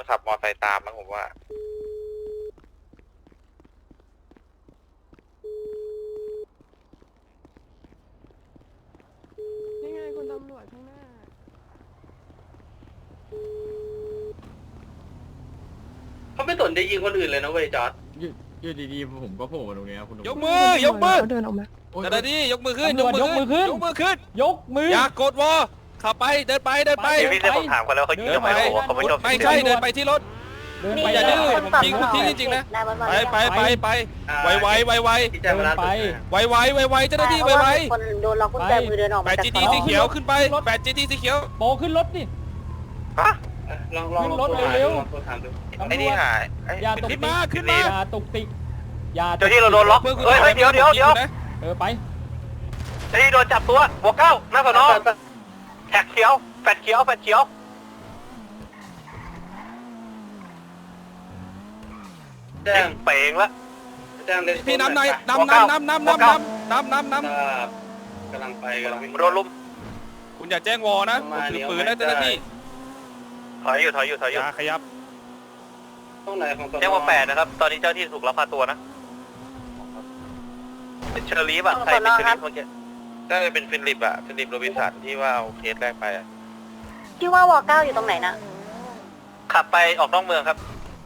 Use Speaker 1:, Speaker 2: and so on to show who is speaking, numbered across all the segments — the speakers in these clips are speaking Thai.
Speaker 1: ขับมอเตอร์ไซค์ตามมั้งผมว่า
Speaker 2: นี่ไงคุณตำรวจข้างหน้า
Speaker 3: เขาไม่สนใจยิงคนอื่นเลยนะเว้ยจอร์ด
Speaker 4: อยู่ดีๆผมก็โผล่มาตรงนี้คุณ
Speaker 5: ยกมือยกมือ
Speaker 2: เดินออกมา
Speaker 5: แต่ละที่ยกมือขึ้นยกมือขึ้นยกมือขึ้น
Speaker 6: ยกมือ
Speaker 5: อย่ากดวอขับไปเดินไปเดินไป
Speaker 1: เดี๋ยวพี่จะผมถามเขาแล้วเขายิงทำไมเขาบอกว่าเขาไม่ชอบ
Speaker 5: ไม่ใช่เดินไปที่รถ
Speaker 6: เดิน
Speaker 5: นี่
Speaker 6: ไป
Speaker 5: อย่าดื้อ
Speaker 6: เดิน
Speaker 5: ผมยิงคุณทิ้งจริงๆนะ ไปไว
Speaker 3: ที่แจ้งเวลา
Speaker 6: ไป
Speaker 5: ไวเจ้าหน้าที่ไว
Speaker 7: คนโดนล็อกกุญแจมือเดินออก
Speaker 5: แป
Speaker 7: มา
Speaker 5: ด
Speaker 7: จาก
Speaker 5: จีดีสีเขียวขึ้นไปแปดจีดีสีเขียว
Speaker 6: โปขึ้นรถดิ
Speaker 1: ฮะ
Speaker 3: ลอง
Speaker 6: ขึ้นรถเร็ว
Speaker 3: ลองถามดู
Speaker 1: ไอ้นี่หาย
Speaker 6: อย่าตก
Speaker 5: ขึ้
Speaker 6: ติ
Speaker 5: น
Speaker 6: ก
Speaker 5: มาขึ้นมา
Speaker 6: อย่าตกติกอย่า
Speaker 1: เจ้าที่เราโดนล็อกเฮ้ยเดี๋ยวเ
Speaker 6: ไป
Speaker 1: จ้าที่โดนจับตัวบวกเก้าหน้าสนแท็กเขียวแฟดเขียวแฟดเขียว
Speaker 3: แจ้ง
Speaker 1: เป่งละ
Speaker 3: แจ้งเลย
Speaker 5: พี่น้ำในน้ำ
Speaker 3: กำลังไปกำลังวิ่ง
Speaker 1: โดนลุม
Speaker 5: คุณอย่าแจ้งวอนะผมถือปืนนะเจ้าหน้าที่
Speaker 1: ถอยอยู่
Speaker 5: อย่าขยับ
Speaker 3: ตรงไหนของต
Speaker 1: แจ้งว่า8นะครับตอนนี้เจ้าที่ถูกลักพาตัวนะเป็นเชอร์ลีฟอะใครเป็นเชอร์ลีฟเมื่อกี้น่าจะเป็นฟิลิปอะฟิลิปโรบินสันที่ว่าเอาเคสแรกไปอะ
Speaker 7: ที่ว่าวอเก้าอยู่ตรงไหนนะ
Speaker 1: ขับไปออกนอกเมืองครับ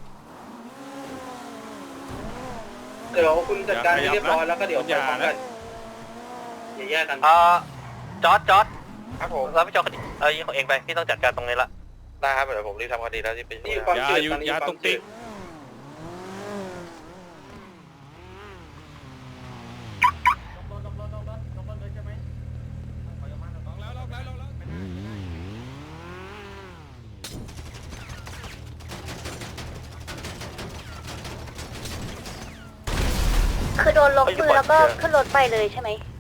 Speaker 3: เดี๋ยวคุณจัดการให้เรียบร้อยแล้วก็เดี๋ยวไปพร้อมกันอย่าแยกกัน
Speaker 1: จอร์ดครับผมรับผิดชอบคดียิงของเองไปพี่ต้องจัดการตรงนี้ละได้ครับเดี๋ยวผมรีบทำคดีแล้วที่เป็น
Speaker 3: นี่ความจืดตอนนี้
Speaker 5: อย่า
Speaker 3: ควา
Speaker 5: ต
Speaker 3: ม
Speaker 5: ก
Speaker 3: จื
Speaker 5: ติ
Speaker 3: ด
Speaker 5: ก
Speaker 7: คือโดนล็อกมือแล้วก็ขึ้นรถไปเลยใช่ไหม